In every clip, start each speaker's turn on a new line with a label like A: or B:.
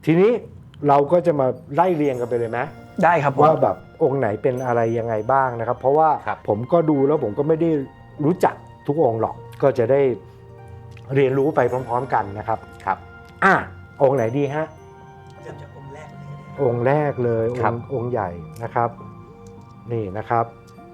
A: ทีนี้เราก็จะมาไล่เรียงกันไปเลยไหม
B: ได้ครับ
A: ว่าแบบองค์ไหนเป็นอะไรยังไงบ้างนะครับเพราะว่าผมก็ดูแล้วผมก็ไม่ได้รู้จักทุกองค์หรอกก็จะได้เรียนรู้ไปพร้อมๆกันนะครับ
C: ครับ
A: องค์ไหนดีฮะ
B: เริ่มจากองค์แรกเลย
A: องค์แรกเลยองค์ใหญ่นะครับนี่นะครับ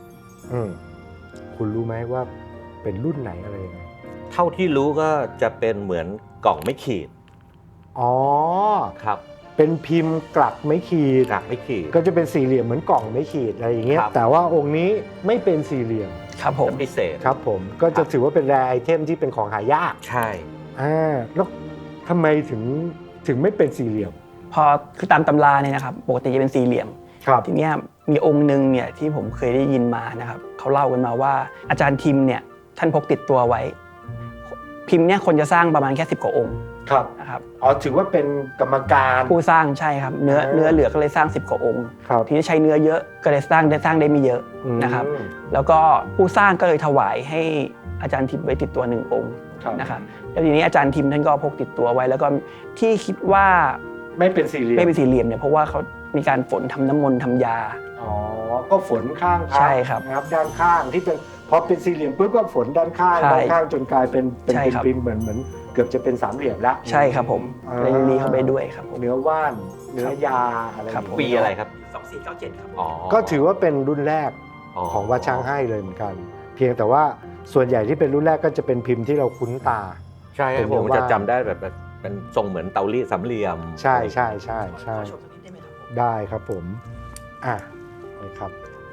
A: คุณรู้ไหมว่าเป็นรุ่นไหนอะไรยังไง
C: เท่าที่รู้ก็จะเป็นเหมือนกล่องไม่ขีด
A: อ๋อ
C: ครับ
A: เป็นพิมพ์กลักไม่ขีดก็จะเป็นสี่เหลี่ยมเหมือนกล่องไม่ขีดอะไรอย่างเงี้ยแต่ว่าองค์นี้ไม่เป็นสี่เหลี่ยม
B: ครับผม
C: พิเศษ
A: ครับผมก็จะถือว่าเป็นแรร์ไอเทมที่เป็นของหายาก
C: ใช่
A: แล้วทำไมถึงไม่เป็นสี่เหลี่ยม
B: พอคือตามตำราเนี่ยนะครับปกติจะเป็นสี่เหลี่ยมทีนี้มีองค์หนึ่งเนี่ยที่ผมเคยได้ยินมานะครับเขาเล่ากันมาว่าอาจารย์ทิมเนี่ยท่านพกติดตัวไว้พิมพ์เนี่ยคนจะสร้างประมาณแค่10 กว่าองค์นะครับ
A: ถือว่าเป็นกรรมการ
B: ผู้สร้างใช่ครับเนื้อเหลือก็เลยสร้าง10 กว่าองค์ทีนี้ใช้เนื้อเยอะก็เลยสร้างได้ไม่เยอะนะครับแล้วก็ผู้สร้างก็เลยถวายให้อาจารย์ทิมไว้ติดตัว1 องค์นะครับแล้วทีนี้อาจารย์ทิมท่านก็พกติดตัวไว้แล้วก็ที่คิดว่า
A: ไม่เป็นสี่เหลี่ยม
B: เนี่ยเพราะว่าเขามีการฝนทำน้ำมนต์ทำยา
A: ก็ฝนข้าง
B: ใช่ครับ
A: นะครับด้านข้างที่เป็นพอเป็นสี่เหลี่ยมปุ๊บก็ฝนด้านข้างจนกลายเป็นพิมพ์เหมือนเกือบจะเป็นสามเหลี่ยมแล้ว
B: ใช่ครับผมเลยมีเข้าไปด้วยครับ
A: เนื้อว่านเนื้อยาอะไร
C: ปีอะไรครับ
B: 2497ครับ
A: ก็ถือว่าเป็นรุ่นแรกของวัดช้างให้เลยเหมือนกันเพียงแต่ว่าส่วนใหญ่ที่เป็นรุ่นแรกก็จะเป็นพิมพ์ที่เราคุ้นตา
C: ใช่ผมจะจำได้แบบเป็นทรงเหมือนเตารีดสามเหลี่ยม
A: ใช่ได้ครับผมนี่ครับ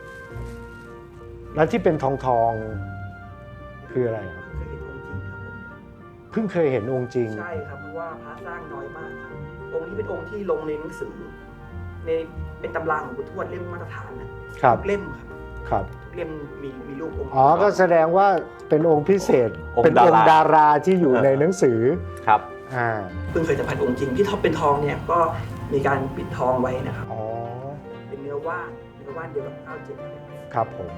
A: แล้วที่เป็นทองคืออะไรครับเพิ่งเคยเห็นองค์จริง
B: ใช่ครับเพราะว่าพระสร้างน้อยมากครับองค์นี้เป็นองค์ที่ลงในหนังสือในเป็นตำราของปู่ทวดเล่มมาตรฐานนะครับเล่มครับเล่มมีรูปองค์
A: ก็แสดงว่าเป็นองค์พิเศษเป็นองค์ดาราที่อยู่ในหนังสือ
C: ครับ
B: เพิ่งเคยสัมผัสองค์จริงที่ท็อปเป็นทองเนี่ยก็มีการปิดทองไว้นะครับเป็นเนื้อว่านเดียวกับ97
A: ครับผม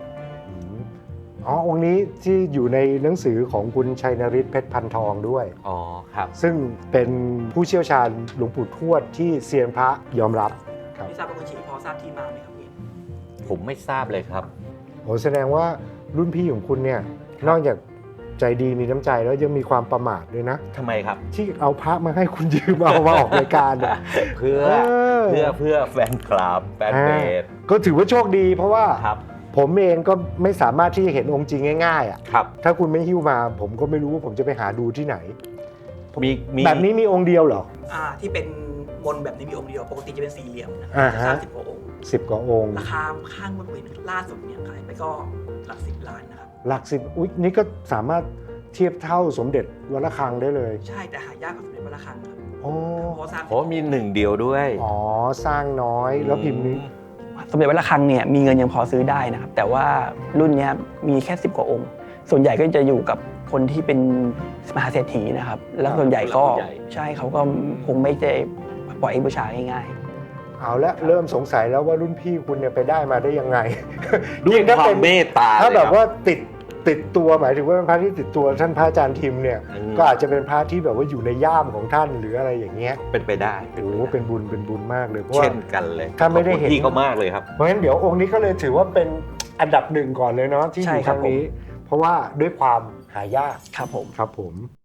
A: องค์นี้ที่อยู่ในหนังสือของคุณชัยนฤทธิ์เพชรพันทองด้วย
C: ครับ
A: ซึ่งเป็นผู้เชี่ยวชาญหลวงปู่ทวดที่เซียนพระยอมรับ
B: ครับไม่ทราบว่าคุณฉีพอทราบที่มาไหมครับพี่
C: ผมไม่ทราบเลยครับ
A: แสดงว่ารุ่นพี่ของคุณเนี่ยนอกจากใจดีมีน้ำใจแล้วยังมีความประมาทด้วยนะ
C: ทำไมครับ
A: ที่เอาพระมาให้คุณยืมเอามาออกรายการ
C: เพื่อแฟนคลับแฟนเพจ
A: ก็ถือว่าโชคดีเพราะว่าผมเองก็ไม่สามารถที่จะเห็นองค์จริงง่ายๆถ้าคุณไม่หิ้วมาผมก็ไม่รู้ว่าผมจะไปหาดูที่ไหนแบบนี้มีองค์เดียวเหรอ
B: ที่เป็นบนแบบนี้มีองค์เดียวปกติจะเป็นสี่เหลี่ยมนะครับ10 กว่าองค์
A: 10 กว่าองค์
B: ราคาข้างบนเวทีล่าสุดเนี่ยขายไปก็หลัก10 ล้านนะครับ
A: หลัก10อุ๊ยนี่ก็สามารถเทียบเท่าสมเด็จวัดระฆังได้เลย
B: ใช่แต่หายากกว่าสมเด็จวัดระฆังครับ
C: เพราะมี1 เดียวด้วย
A: สร้างน้อยแล้วพิมพ์นี้
B: สมเด็จวัดระฆังเนี่ยมีเงินยังพอซื้อได้นะครับแต่ว่ารุ่นนี้มีแค่10 กว่าองค์ส่วนใหญ่ก็จะอยู่กับคนที่เป็นมหาเศรษฐีนะครับแล้วส่วนใหญ่ก็ใช่เขาก็คงไม่ได้ปล่อยให้บูชาง่าย
A: ๆเอาละเริ่มสงสัยแล้วว่ารุ่นพี่คุณเนี่ยไปได้มาได้ยังไง
C: ด้วยความเมตตา
A: ถ้าแบบว่าติดตัวหมายถึงว่าเป็นพระที่ติดตัวท่านพระอาจารย์ทิมเนี่ยก็อาจจะเป็นพระที่แบบว่าอยู่ในย่ามของท่านหรืออะไรอย่างเงี้ย
C: เป็นไปได้
A: เป็นบุญมากเลยเพราะ
C: เช่นกันเลย
A: ถ้าไม่ได้เห็น
C: พี่ก็มากเลยครับ
A: เพราะฉะนั้นเดี๋ยวองค์นี้ก็เลยถือว่าเป็นอันดับ1ก่อนเลยเนาะที่อยู่ครั้งนี้เพราะว่าด้วยความหายาก
B: ครับผม